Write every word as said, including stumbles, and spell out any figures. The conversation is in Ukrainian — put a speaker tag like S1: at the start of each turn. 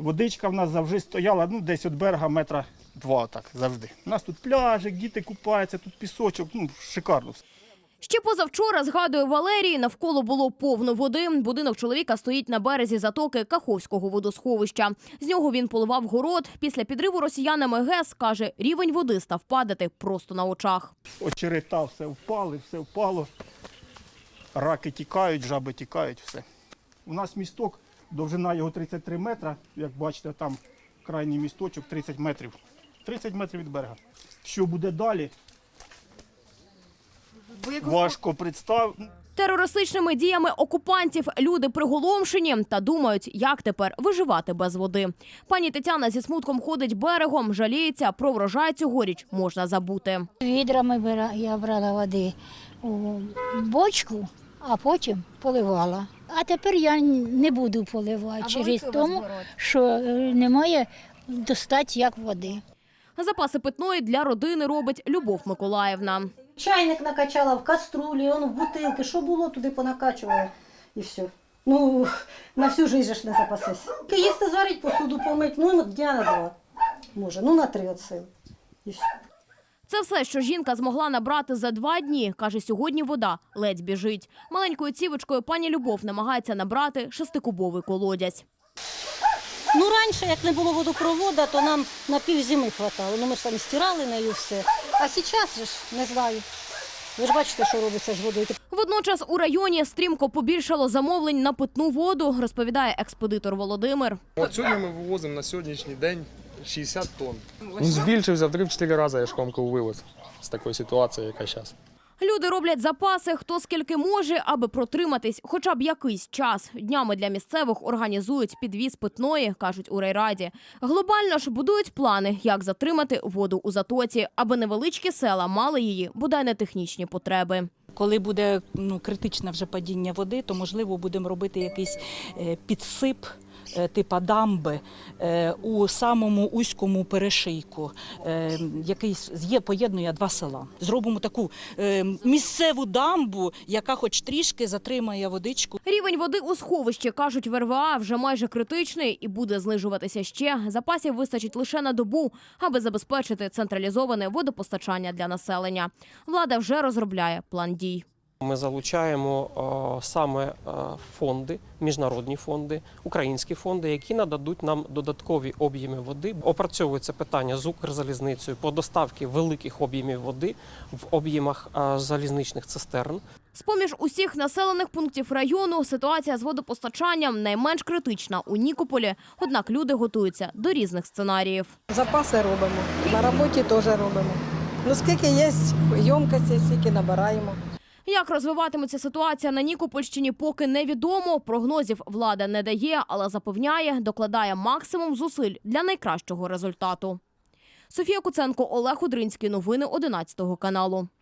S1: Водичка в нас завжди стояла, ну, десь від берега метра два, так, завжди. У нас тут пляжик, діти купаються, тут пісочок, ну, шикарно.
S2: Ще позавчора, згадує Валерій, навколо було повно води. Будинок чоловіка стоїть на березі затоки Каховського водосховища. З нього він поливав город. Після підриву росіянами ГЕС, каже, рівень води став падати просто на очах.
S1: Очерета все впали, все впало. Раки тікають, жаби тікають, все. У нас місток, довжина його тридцять три метри. Як бачите, там крайній місточок тридцять метрів. тридцять метрів від берега. Що буде далі? Важко представити.
S2: Терористичними діями окупантів люди приголомшені та думають, як тепер виживати без води. Пані Тетяна зі смутком ходить берегом, жаліється, про врожай цьогоріч можна забути.
S3: Відрами я брала води у бочку, а потім поливала. А тепер я не буду поливати через тому, що немає достати як води.
S2: Запаси питної для родини робить Любов Миколаївна.
S4: Чайник накачала в каструлі, он в бутилки, що було, туди понакачувала і все. Ну, на всю життя ж не запасешся. Їсти зварить, посуду помить, ну, дня на два, може, ну, на три от сил. І все.
S2: Це все, що жінка змогла набрати за два дні. Каже, сьогодні вода ледь біжить. Маленькою цівочкою пані Любов намагається набрати шестикубовий колодязь.
S4: Ну, раніше, як не було водопроводу, то нам на пів зими хватало. Ну, ми ж там стирали нею все. А зараз же ж, не знаю. Ви ж бачите, що робиться з водою.
S2: Водночас у районі стрімко побільшало замовлень на питну воду, розповідає експедитор Володимир.
S5: От сьогодні ми вивозимо на сьогоднішній день шістдесят тонн. Він збільшився в три-чотири рази, я ж комку вивез з такої ситуації, яка зараз.
S2: Люди роблять запаси, хто скільки може, аби протриматись хоча б якийсь час. Днями для місцевих організують підвіз питної, кажуть у райраді. Глобально ж будують плани, як затримати воду у затоці, аби невеличкі села мали її, бодай не технічні потреби.
S6: Коли буде ну, критичне вже падіння води, то, можливо, будемо робити якийсь е, підсип, е, типа дамби, е, у самому узькому перешийку, е, який є, поєднує два села. Зробимо таку е, місцеву дамбу, яка хоч трішки затримає водичку.
S2: Рівень води у сховищі, кажуть в ер ве а, вже майже критичний і буде знижуватися ще. Запасів вистачить лише на добу, аби забезпечити централізоване водопостачання для населення. Влада вже розробляє план дій.
S7: Ми залучаємо о, саме о, фонди, міжнародні фонди, українські фонди, які нададуть нам додаткові об'єми води. Опрацьовується питання з Укрзалізницею по доставці великих об'ємів води в об'ємах о, залізничних цистерн.
S2: З-поміж усіх населених пунктів району ситуація з водопостачанням найменш критична у Нікополі, однак люди готуються до різних сценаріїв.
S8: Запаси робимо, на роботі теж робимо. Ну скільки є ємкості, стільки набираємо.
S2: Як розвиватиметься ситуація на Нікопольщині, поки невідомо. Прогнозів влада не дає, але запевняє, докладає максимум зусиль для найкращого результату. Софія Куценко, Олег Удринський. Новини одинадцятого каналу.